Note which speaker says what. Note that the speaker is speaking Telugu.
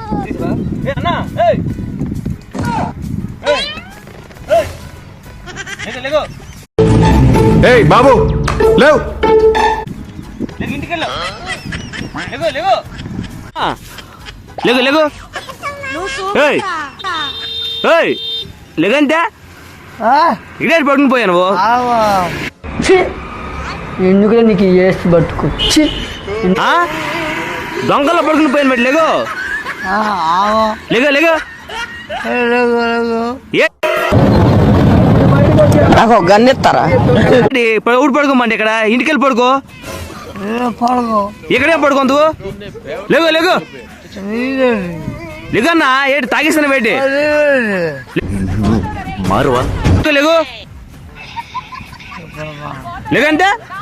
Speaker 1: బాబు లేవు
Speaker 2: ఇంటికి లేగు లేగు లేగంటే ఇడే పడుకుని పోయా నువ్వు.
Speaker 3: ఎందుకులే నీకు వేసి పట్టుకొచ్చి
Speaker 2: దొంగల్లో పడుకుని పోయాను బట్టి లేగు లేగు లేగు
Speaker 3: నాకు ఒక గన్ ఇస్తారా?
Speaker 2: ఊడి పడుకోమండి ఇక్కడ ఇంటికి వెళ్ళి పడుకో. ఇక్కడే పడుకోందు లేగు లేగు లేగన్నా ఏంటి తాగేస్తాను వేటి
Speaker 1: మారువా
Speaker 2: లేగు లేగంటే